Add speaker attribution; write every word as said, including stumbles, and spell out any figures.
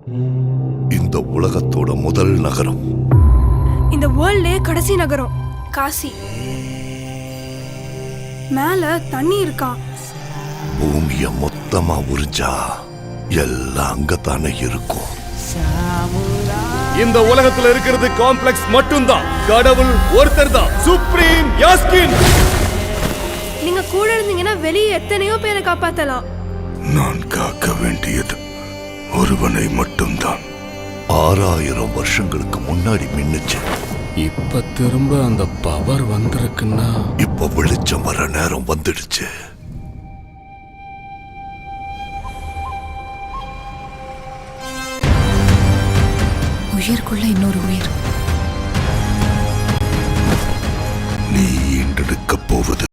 Speaker 1: இந்த உலகத்தோட முதல் நகரம்,
Speaker 2: இந்த வேர்ல்ட்லயே கடைசி நகரம் காசி. மேல தண்ணி இருக்கா?
Speaker 1: பூமிய மொத்தமா உறிஞ்சா எல்லாம் அங்கத்தானே இருக்கும்.
Speaker 3: இந்த உலகத்துல இருக்கிறது காம்ப்ளெக்ஸ் மட்டும்தான். கடவுள் ஒருத்தர் தான், சுப்ரீம் யாஸ்கின்.
Speaker 2: நீங்க கூட இருந்தீங்கன்னா வெளியே எத்தனையோ பேரை காப்பாத்தலாம்.
Speaker 1: நான் காக்க வேண்டியது ஒருவனை மட்டும்தான். ஆறாயிரம் வருஷங்களுக்கு முன்னாடி மின்னுச்சு.
Speaker 4: இப்ப திரும்ப அந்த பவர் வந்திருக்குன்னா
Speaker 1: இப்ப வெளிச்சம் வர நேரம் வந்துடுச்சு.
Speaker 5: உயிர்க்குள்ள இன்னொரு உயிர்.
Speaker 1: நீ ஈண்டெடுக்க போவது